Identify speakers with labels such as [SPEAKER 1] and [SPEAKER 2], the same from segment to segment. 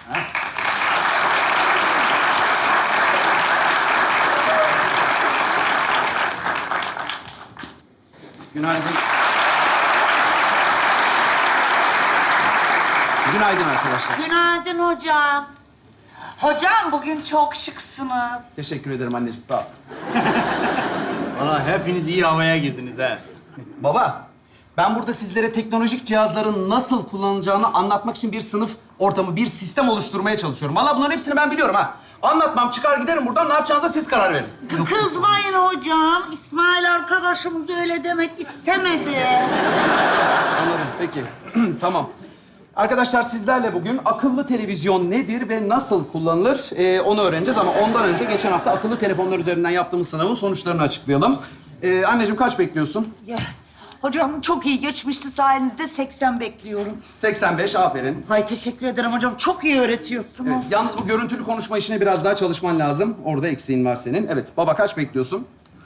[SPEAKER 1] Günaydın. Günaydın arkadaşlar.
[SPEAKER 2] Günaydın hocam. Hocam bugün çok şıksınız.
[SPEAKER 1] Teşekkür ederim anneciğim, sağ ol.
[SPEAKER 3] Valla hepiniz iyi havaya girdiniz ha.
[SPEAKER 1] Baba, ben burada sizlere teknolojik cihazların nasıl kullanılacağını anlatmak için bir sınıf ortamı, bir sistem oluşturmaya çalışıyorum. Vallahi bunların hepsini ben biliyorum ha. Anlatmam, çıkar giderim buradan, ne yapacağınıza siz karar verin.
[SPEAKER 2] Kızmayın hocam. İsmail arkadaşımız öyle demek istemedi.
[SPEAKER 1] Anladım, peki. Tamam. Arkadaşlar sizlerle bugün akıllı televizyon nedir ve nasıl kullanılır onu öğreneceğiz. Ama ondan önce geçen hafta akıllı telefonlar üzerinden yaptığımız sınavın sonuçlarını açıklayalım. Anneciğim kaç bekliyorsun?
[SPEAKER 2] Ya, hocam çok iyi geçmişti sayenizde 80 bekliyorum.
[SPEAKER 1] 85, aferin.
[SPEAKER 2] Hay teşekkür ederim hocam. Çok iyi öğretiyorsunuz.
[SPEAKER 1] Evet, yalnız bu görüntülü konuşma işine biraz daha çalışman lazım. Orada eksiğin var senin. Evet, baba kaç bekliyorsun?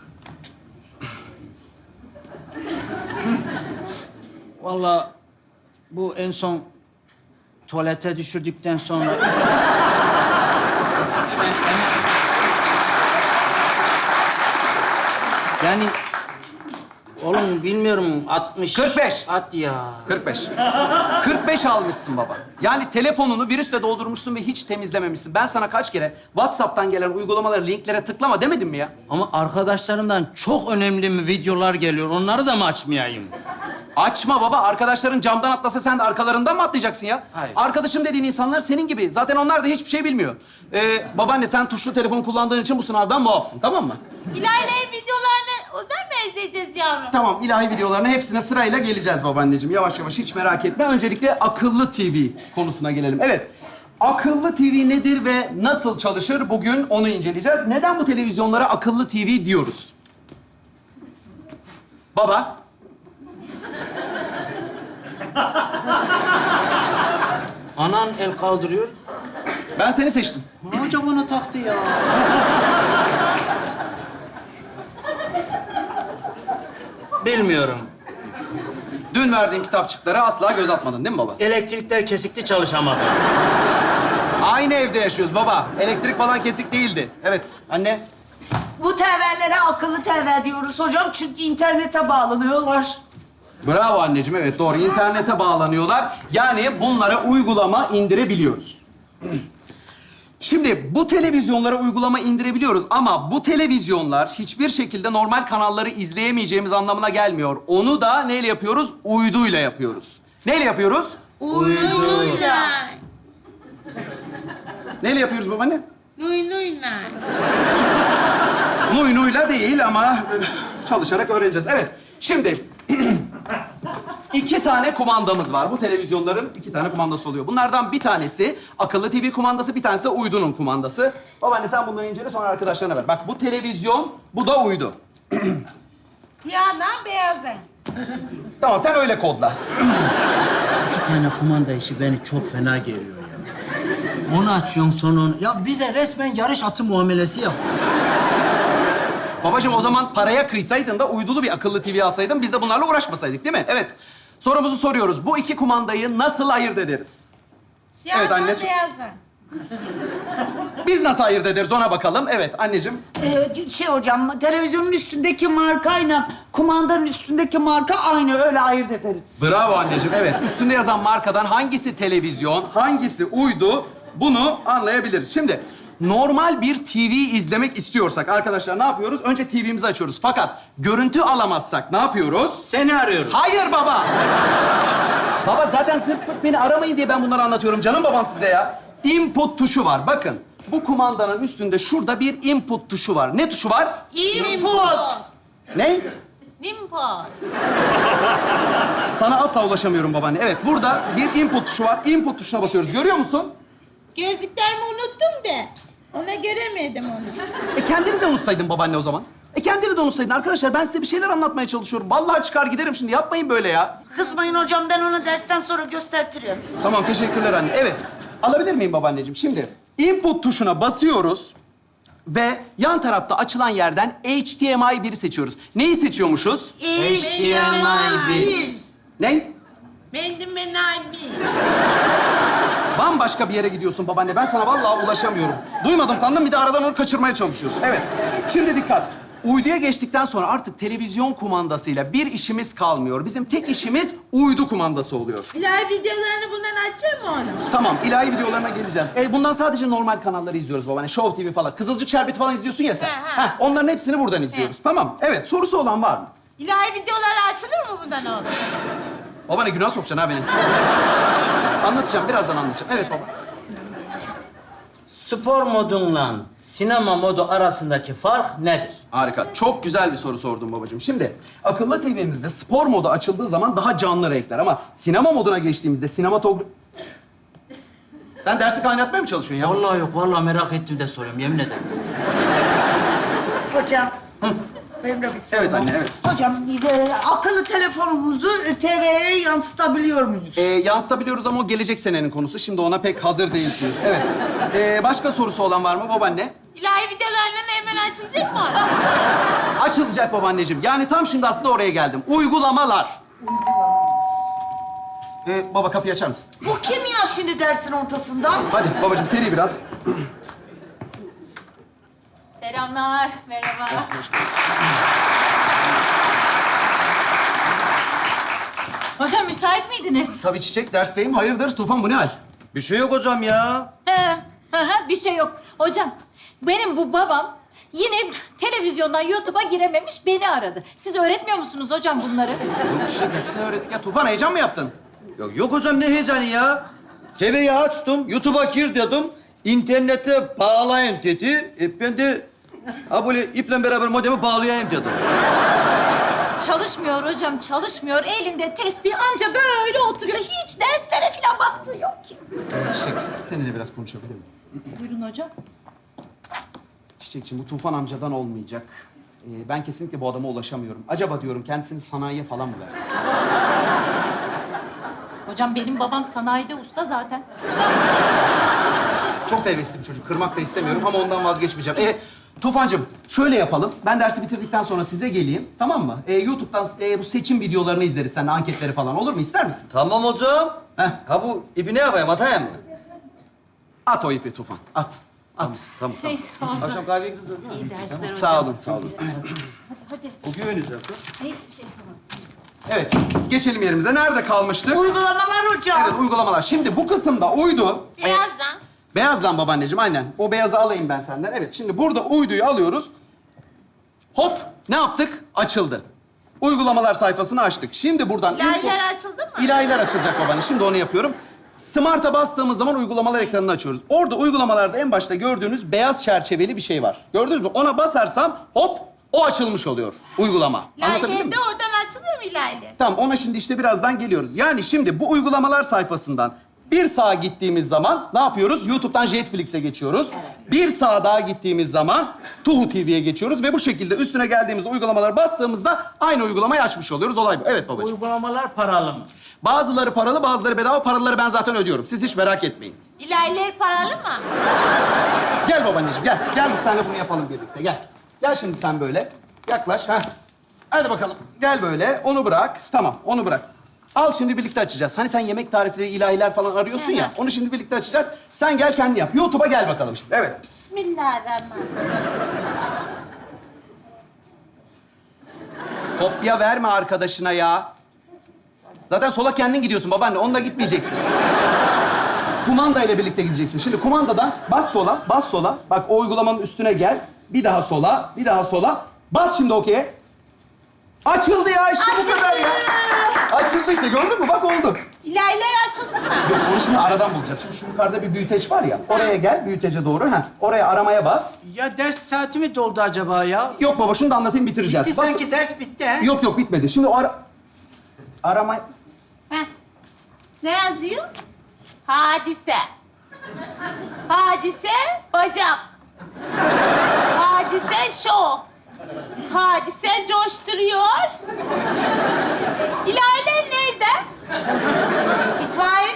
[SPEAKER 3] Valla bu en son tuvalete düşürdükten sonra... Yani oğlum bilmiyorum 60...
[SPEAKER 1] 45.
[SPEAKER 3] At ya.
[SPEAKER 1] 45. 45 almışsın baba. Yani telefonunu virüsle doldurmuşsun ve hiç temizlememişsin. Ben sana kaç kere WhatsApp'tan gelen uygulamalara, linklere tıklama demedim mi ya?
[SPEAKER 3] Ama arkadaşlarımdan çok önemli mi videolar geliyor. Onları da mı açmayayım?
[SPEAKER 1] Açma baba. Arkadaşların camdan atlasa sen de arkalarından mı atlayacaksın ya?
[SPEAKER 3] Hayır.
[SPEAKER 1] Arkadaşım dediğin insanlar senin gibi. Zaten onlar da hiçbir şey bilmiyor. Babaanne sen tuşlu telefon kullandığın için bu sınavdan muafsın, tamam mı?
[SPEAKER 4] İlahilerin videolarını oradan mı izleyeceğiz yavrum?
[SPEAKER 1] Tamam, ilahi videolarına hepsine sırayla geleceğiz babaanneciğim. Yavaş yavaş, hiç merak etme. Öncelikle akıllı TV konusuna gelelim. Evet, akıllı TV nedir ve nasıl çalışır? Bugün onu inceleyeceğiz. Neden bu televizyonlara akıllı TV diyoruz? Baba.
[SPEAKER 3] Anan el kaldırıyor.
[SPEAKER 1] Ben seni seçtim.
[SPEAKER 3] Hoca bana taktı ya. Bilmiyorum.
[SPEAKER 1] Dün verdiğim kitapçıklara asla göz atmadın değil mi baba?
[SPEAKER 3] Elektrikler kesikti, çalışamadı.
[SPEAKER 1] Aynı evde yaşıyoruz baba. Elektrik falan kesik değildi. Evet, anne.
[SPEAKER 2] Bu TV'lere akıllı TV diyoruz hocam çünkü internete bağlanıyorlar.
[SPEAKER 1] Bravo anneciğim, evet doğru. İnternete bağlanıyorlar. Yani bunlara uygulama indirebiliyoruz. Şimdi bu televizyonlara uygulama indirebiliyoruz ama bu televizyonlar hiçbir şekilde normal kanalları izleyemeyeceğimiz anlamına gelmiyor. Onu da neyle yapıyoruz? Uyduyla yapıyoruz. Neyle yapıyoruz?
[SPEAKER 4] Uynuyla.
[SPEAKER 1] Neyle yapıyoruz babaanne?
[SPEAKER 4] Uynuyla.
[SPEAKER 1] Nuynuyla değil ama çalışarak öğreneceğiz. Evet, şimdi iki tane kumandamız var. Bu televizyonların iki tane kumandası oluyor. Bunlardan bir tanesi akıllı TV kumandası, bir tanesi de uydunun kumandası. Babaanne sen bunları incele, sonra arkadaşlarına ver. Bak bu televizyon, bu da uydu.
[SPEAKER 4] Siyahdan beyazın.
[SPEAKER 1] Tamam, sen öyle kodla.
[SPEAKER 3] İki tane kumanda işi beni çok fena geriyor ya. Onu açıyorsun sonra onu... Ya bize resmen yarış atı muamelesi yap.
[SPEAKER 1] Babacığım o zaman paraya kıysaydın da uydulu bir akıllı TV alsaydın, biz de bunlarla uğraşmasaydık değil mi? Evet. Sorumuzu soruyoruz. Bu iki kumandayı nasıl ayırt ederiz?
[SPEAKER 4] Siyahdan
[SPEAKER 1] Evet, anne.
[SPEAKER 4] beyazın.
[SPEAKER 1] Biz nasıl ayırt ederiz ona bakalım. Evet anneciğim.
[SPEAKER 2] Hocam televizyonun üstündeki markayla kumandanın üstündeki marka aynı öyle ayırt ederiz.
[SPEAKER 1] Bravo anneciğim. Evet. Üstünde yazan markadan hangisi televizyon, hangisi uydu bunu anlayabiliriz. Şimdi normal bir TV izlemek istiyorsak arkadaşlar ne yapıyoruz? Önce TV'mizi açıyoruz. Fakat görüntü alamazsak ne yapıyoruz?
[SPEAKER 3] Seni arıyorum.
[SPEAKER 1] Hayır baba. Baba zaten sırf beni aramayın diye ben bunları anlatıyorum. Canım babam size ya. Input tuşu var. Bakın. Bu kumandanın üstünde şurada bir input tuşu var. Ne tuşu var?
[SPEAKER 2] Input.
[SPEAKER 1] Ne?
[SPEAKER 4] Nimpot.
[SPEAKER 1] Sana asla ulaşamıyorum babaanne. Evet, burada bir input tuşu var. Input tuşuna basıyoruz. Görüyor musun?
[SPEAKER 4] Gözlüklerimi unuttum da. Ona göremedim onu.
[SPEAKER 1] Kendini de unutsaydın babaanne o zaman. Kendini de unutsaydın. Arkadaşlar ben size bir şeyler anlatmaya çalışıyorum. Vallahi çıkar giderim şimdi. Yapmayın böyle ya.
[SPEAKER 2] Kızmayın hocam ben onu dersten sonra göstertirim.
[SPEAKER 1] Tamam, teşekkürler anne. Evet, alabilir miyim babaanneciğim? Şimdi input tuşuna basıyoruz ve yan tarafta açılan yerden HDMI 1'i seçiyoruz. Neyi seçiyormuşuz?
[SPEAKER 3] HDMI 1.
[SPEAKER 1] Ne?
[SPEAKER 4] Bendim ben abi.
[SPEAKER 1] Bambaşka bir yere gidiyorsun babaanne. Ben sana vallahi ulaşamıyorum. Duymadım sandım, bir de aradan onu kaçırmaya çalışıyorsun. Evet. Şimdi dikkat. Uyduya geçtikten sonra artık televizyon kumandasıyla bir işimiz kalmıyor. Bizim tek işimiz uydu kumandası oluyor.
[SPEAKER 4] İlahi videolarını bundan açacak mı onu?
[SPEAKER 1] Tamam, ilahi videolarına geleceğiz. Bundan sadece normal kanalları izliyoruz babaanne. Show TV falan. Kızılcık Şerbeti falan izliyorsun ya sen.
[SPEAKER 4] He, he.
[SPEAKER 1] Heh, onların hepsini buradan izliyoruz. Tamam. Evet, sorusu olan var mı?
[SPEAKER 4] İlahi videolar açılır mı bundan oğlum?
[SPEAKER 1] Babaanne günah sokacaksın ha beni. Anlatacağım, birazdan anlatacağım. Evet baba.
[SPEAKER 3] Spor modunla sinema modu arasındaki fark nedir?
[SPEAKER 1] Harika. Çok güzel bir soru sordun babacığım. Şimdi akıllı TV'mizde spor modu açıldığı zaman daha canlı renkler ama sinema moduna geçtiğimizde sinematografi... Sen dersi kaynatmaya mı çalışıyorsun ya?
[SPEAKER 3] Vallahi yok, vallahi merak ettim de soruyorum, yemin ederim.
[SPEAKER 2] Hocam. Benim de bir sorum.
[SPEAKER 1] Evet anne, evet.
[SPEAKER 2] Hocam, akıllı telefonumuzu TV'ye yansıtabiliyor muyuz?
[SPEAKER 1] Yansıtabiliyoruz ama o gelecek senenin konusu. Şimdi ona pek hazır değilsiniz. Evet. Başka sorusu olan var mı babaanne?
[SPEAKER 4] İlahi videolarının hemen açılacak mı onu?
[SPEAKER 1] Açılacak babaanneciğim. Yani tam şimdi aslında oraya geldim. Uygulamalar. Baba kapıyı açar mısın?
[SPEAKER 2] Bu kim ya şimdi dersin ortasında?
[SPEAKER 1] Hadi babacığım seri biraz.
[SPEAKER 4] Selamlar, merhaba.
[SPEAKER 5] Hocam müsait miydiniz?
[SPEAKER 1] Tabii Çiçek dersteyim. Hayırdır Tufan, bu ne hal?
[SPEAKER 3] Bir şey yok hocam ya.
[SPEAKER 5] Bir şey yok. Hocam benim bu babam yine televizyondan YouTube'a girememiş, beni aradı. Siz öğretmiyor musunuz hocam bunları?
[SPEAKER 1] Yok Çiçek, hepsini öğrettik ya. Tufan heyecan mı yaptın?
[SPEAKER 6] Yok hocam, ne heyecanı ya? TV'yi açtım, YouTube'a gir dedim. İnternete bağlayın dedi. Ben de böyle iple beraber modemi bağlayayım dedim.
[SPEAKER 5] Çalışmıyor hocam, çalışmıyor. Elinde tesbih, amca böyle oturuyor. Hiç derslere falan baktığı yok ki.
[SPEAKER 1] Çiçek, seninle biraz konuşabilir miyim?
[SPEAKER 5] Buyurun hocam.
[SPEAKER 1] Çiçekçiğim, bu Tufan amcadan olmayacak. Ben kesinlikle bu adama ulaşamıyorum. Acaba diyorum kendisini sanayiye falan mı versin?
[SPEAKER 5] Hocam benim babam sanayide usta zaten.
[SPEAKER 1] Çok da hevesli bir çocuk. Kırmak da istemiyorum ama ondan vazgeçmeyeceğim. Tufancığım, şöyle yapalım. Ben dersi bitirdikten sonra size geleyim. Tamam mı? YouTube'dan bu seçim videolarını izleriz seninle, anketleri falan. Olur mu? İster misin?
[SPEAKER 6] Tamam hocam.
[SPEAKER 1] Heh.
[SPEAKER 6] Ha bu ipi ne yapayım, atayım mı?
[SPEAKER 1] At o ipi Tufan. At. At.
[SPEAKER 6] Tamam.
[SPEAKER 5] Şey, sağ olun.
[SPEAKER 6] Akşam kahveye gideceğiz değil mi?
[SPEAKER 5] İyi dersler hocam.
[SPEAKER 1] Sağ olun, sağ olun.
[SPEAKER 5] Hadi.
[SPEAKER 6] O güveneceğim.
[SPEAKER 5] Hiçbir şey yapamam.
[SPEAKER 1] Evet, geçelim yerimize. Nerede kalmıştık?
[SPEAKER 2] Uygulamalar hocam.
[SPEAKER 1] Evet, uygulamalar. Şimdi bu kısımda uydu...
[SPEAKER 4] Birazdan.
[SPEAKER 1] Beyazdan babaanneciğim, aynen. O beyazı alayım ben senden. Evet, şimdi burada uyduyu alıyoruz. Hop, ne yaptık? Açıldı. Uygulamalar sayfasını açtık. Şimdi buradan...
[SPEAKER 4] İlahiler açıldı mı?
[SPEAKER 1] İlahiler açılacak babaanne. Şimdi onu yapıyorum. Smart'a bastığımız zaman uygulamalar ekranını açıyoruz. Orada uygulamalarda en başta gördüğünüz beyaz çerçeveli bir şey var. Gördünüz mü? Ona basarsam hop, o açılmış oluyor uygulama. Anlatabildim
[SPEAKER 4] İlahiler
[SPEAKER 1] mi?
[SPEAKER 4] de oradan açılıyor mu ilahiler?
[SPEAKER 1] Tamam, ona şimdi işte birazdan geliyoruz. Yani şimdi bu uygulamalar sayfasından bir sağa gittiğimiz zaman ne yapıyoruz? YouTube'dan Jetflix'e geçiyoruz. Bir sağa daha gittiğimiz zaman Tuhu TV'ye geçiyoruz ve bu şekilde üstüne geldiğimizde uygulamalara bastığımızda aynı uygulamayı açmış oluyoruz. Olay bu. Evet babacığım.
[SPEAKER 3] Uygulamalar paralı mı?
[SPEAKER 1] Bazıları paralı, bazıları bedava. Paraları ben zaten ödüyorum. Siz hiç merak etmeyin.
[SPEAKER 4] İlahiler paralı mı?
[SPEAKER 1] Gel babaanneciğim, gel. Gel biz seninle bunu yapalım birlikte. Gel. Gel şimdi sen böyle. Yaklaş. Ha. Hadi bakalım. Gel böyle. Onu bırak. Tamam, onu bırak. Al şimdi birlikte açacağız. Hani sen yemek tarifleri, ilahiler falan arıyorsun ya. Onu şimdi birlikte açacağız. Sen gel kendi yap. YouTube'a gel bakalım şimdi. Evet.
[SPEAKER 4] Bismillahirrahmanirrahim.
[SPEAKER 1] Kopya verme arkadaşına ya. Zaten sola kendin gidiyorsun babaanne. Onunla gitmeyeceksin. Kumanda ile birlikte gideceksin. Şimdi kumandadan bas sola, bas sola. Bak o uygulamanın üstüne gel. Bir daha sola, bir daha sola. Bas şimdi okey'e. Açıldı ya, işte bu kadar ya. Açıldı işte, gördün mü? Bak oldu.
[SPEAKER 4] İlahiler açıldı mı?
[SPEAKER 1] Yok, onu şimdi aradan bulacağız. Şimdi şu yukarıda bir büyüteç var ya. Oraya gel, büyütece doğru. Heh. Oraya aramaya bas.
[SPEAKER 3] Ya ders saati mi doldu acaba ya?
[SPEAKER 1] Yok baba, şunu da anlatayım, bitireceğiz.
[SPEAKER 3] Bitti
[SPEAKER 1] Bas-
[SPEAKER 3] sanki, ders bitti ha?
[SPEAKER 1] Yok yok, bitmedi. Şimdi o arama...
[SPEAKER 4] Heh. Ne yazıyor? Hadise. Hadise bacak. Hadise şok. Hadise coşturuyor. İlahiler nerede?
[SPEAKER 2] İsmail.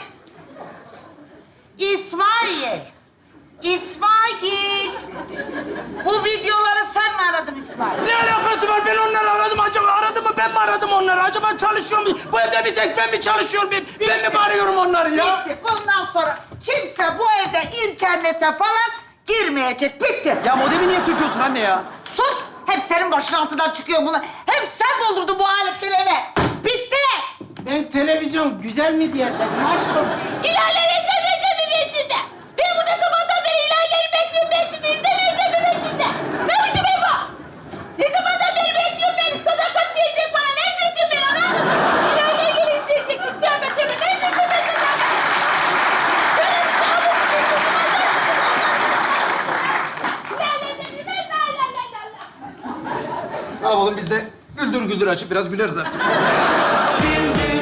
[SPEAKER 2] İsmail. İsmail. Bu videoları sen mi aradın İsmail?
[SPEAKER 3] Ne alakası var? Ben onları aradım acaba. Aradım mı? ben mi aradım onları? Acaba çalışıyor mu? Bu evde bir tek ben mi çalışıyorum? Ben mi arıyorum onları ya?
[SPEAKER 2] Bitti. Bundan sonra kimse bu evde internete falan girmeyecek. Bitti.
[SPEAKER 1] Ya modemi niye söküyorsun anne ya?
[SPEAKER 2] Sus! Hep senin başın altından çıkıyor bunlar. Hep sen doldurdun bu aletleri eve. Bitti!
[SPEAKER 3] Ben televizyon güzel mi diye dedim aşkım.
[SPEAKER 4] İlerleri izlemeyeceğim mi ben şimdi? Ben burada sabahtan beri ilerleri bekliyorum. Ben şimdi izlemeyeceğim mi ben şimdi? Ne biçim ev bu? Ne zamandan beri bekliyorum beni? Sadakat diyecek bana. Ne izleyeceğim ben ona? İlerleri geri izleyecektik. Tövbe tövbe. Ne izleyeceğim ben sadakat? Şöyle bir şey olur mu? İlerleri de la la la la la.
[SPEAKER 1] Ne yapalım biz de güldür güldür açıp biraz güleriz artık.
[SPEAKER 7] Bildim.